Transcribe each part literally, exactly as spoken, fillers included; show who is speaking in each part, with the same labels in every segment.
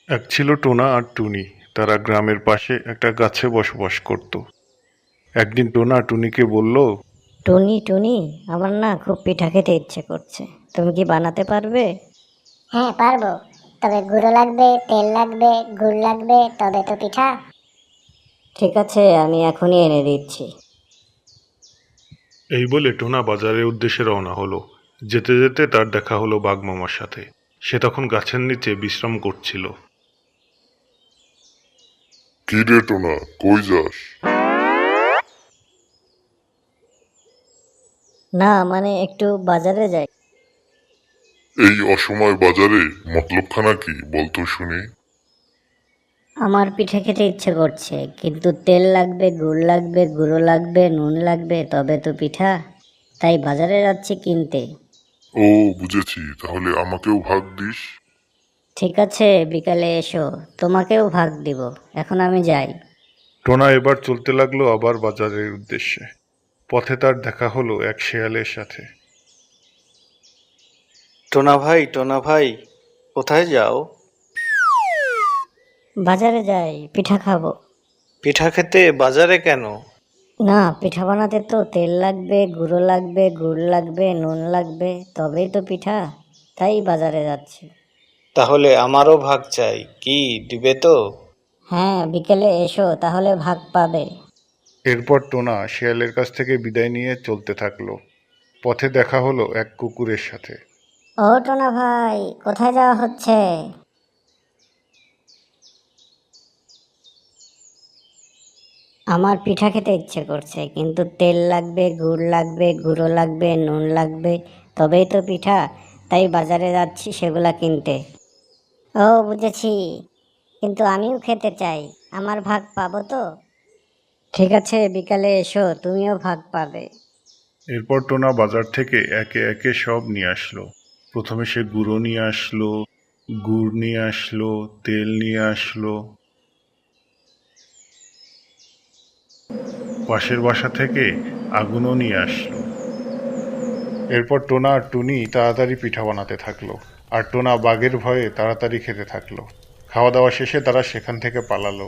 Speaker 1: এক ছিল টোনা আর টুনি। তারা গ্রামের পাশে একটা গাছে বসবাস করত। একদিন টোনা টুনিকে বলল,
Speaker 2: টুনি টুনি আমার না খুব পিঠা খেতে ইচ্ছে করছে, তুমি কি বানাতে পারবে?
Speaker 3: হ্যাঁ পারবো, তবে গুঁড়ো লাগবে, তেল লাগবে, গুড় লাগবে, তবে তো পিঠা।
Speaker 2: ঠিক আছে, আমি এখনই এনে দিচ্ছি।
Speaker 1: এই বলে টোনা বাজারের উদ্দেশ্যে রওনা হলো। যেতে যেতে তার দেখা হলো বাঘ মামার সাথে। সে তখন গাছের নিচে বিশ্রাম করছিল।
Speaker 4: কি রে টোনা, কই যাস?
Speaker 2: না মানে একটু বাজারে যাই।
Speaker 4: এই অসময় বাজারে মতলবখানা কি বলতো শুনি?
Speaker 2: আমার পিঠে খেতে ইচ্ছে করছে, কিন্তু তেল লাগবে, গুড় লাগবে, গুঁড়ো লাগবে, নুন লাগবে, তবে তো পিঠা। তাই বাজারে যাচ্ছি কিনতে।
Speaker 4: ও বুঝেছি, তাহলে আমাকেও ভাগ দিস।
Speaker 2: ঠিক আছে, বিকালে এসো, তোমাকেও ভাগ দিব। এখন আমি যাই।
Speaker 1: টোনা এবার চলতে লাগলো আবার বাজারের উদ্দেশ্যে। পথে তার দেখা হলো এক শেয়ালের সাথে।
Speaker 5: টোনা ভাই, টোনা ভাই, কোথায় যাও?
Speaker 2: বাজারে যাই, পিঠা খাবো।
Speaker 5: পিঠা খেতে বাজারে কেন?
Speaker 2: না, পিঠা বানাতে তো তেল লাগবে, গুঁড়ো লাগবে, গুড় লাগবে, নুন লাগবে, তবেই তো পিঠা। তাই বাজারে যাচ্ছি।
Speaker 5: তাহলে আমারও ভাগ চাই, কি দিবে তো?
Speaker 2: হ্যাঁ, বিকেলে এসো, তাহলে ভাগ পাবে।
Speaker 1: এরপর টোনা শেয়ালের কাছ থেকে বিদায় নিয়ে চলতে থাকলো। পথে দেখা হলো এক কুকুরের সাথে।
Speaker 2: ও টোনা ভাই, কোথায় যাওয়া হচ্ছে? আমার পিঠা খেতে ইচ্ছে করছে, কিন্তু তেল লাগবে, গুড় লাগবে, গুঁড়ো লাগবে, নুন লাগবে, তবেই তো পিঠা। তাই বাজারে যাচ্ছি সেগুলা কিনতে। ও বুঝেছি, কিন্তু আমিও খেতে চাই, আমার ভাগ পাবো তো? ঠিক আছে, বিকালে এসো, তুমিও ভাগ পাবে।
Speaker 1: এরপর টোনা বাজার থেকে একে একে সব নিয়ে আসলো। প্রথমে সে গুঁড়ো নিয়ে আসলো, গুড় নিয়ে আসলো, তেল নিয়ে আসলো। পাশের বাসা থেকে আগুনও নিয়ে আসলো। এরপর টোনা আর টুনি তাড়াতাড়ি পিঠা বানাতে থাকলো, আর টোনা বাঘের ভয়ে তাড়াতাড়ি খেতে থাকলো। খাওয়া দাওয়া শেষে তারা সেখান থেকে পালালো।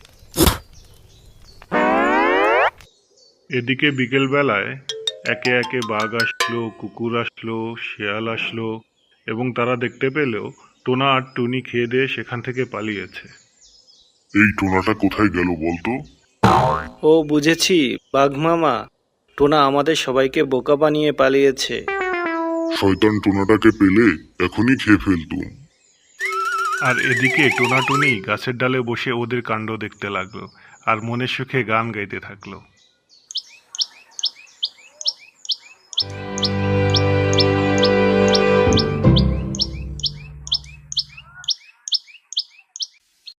Speaker 1: এদিকে বিকেল বেলায় একে একে বাঘ আসলো, কুকুর আসলো, শেয়াল আসলো, এবং তারা দেখতে পেলেও টোনা আর টুনি খেয়ে দিয়ে সেখান থেকে পালিয়েছে।
Speaker 4: এই টোনাটা কোথায় গেল বলতো?
Speaker 5: ও বুঝেছি, বাঘ মামা, টোনা আমাদের সবাইকে বোকা বানিয়ে পালিয়েছে।
Speaker 4: শয়তান টোনাটাকে পেলে এখনই খেয়ে ফেলতুম।
Speaker 1: আর এদিকে টোনা টুনি গাছের ডালে বসে ওদের কাণ্ড দেখতে লাগলো, আর মনের সুখে গান গাইতে থাকলো।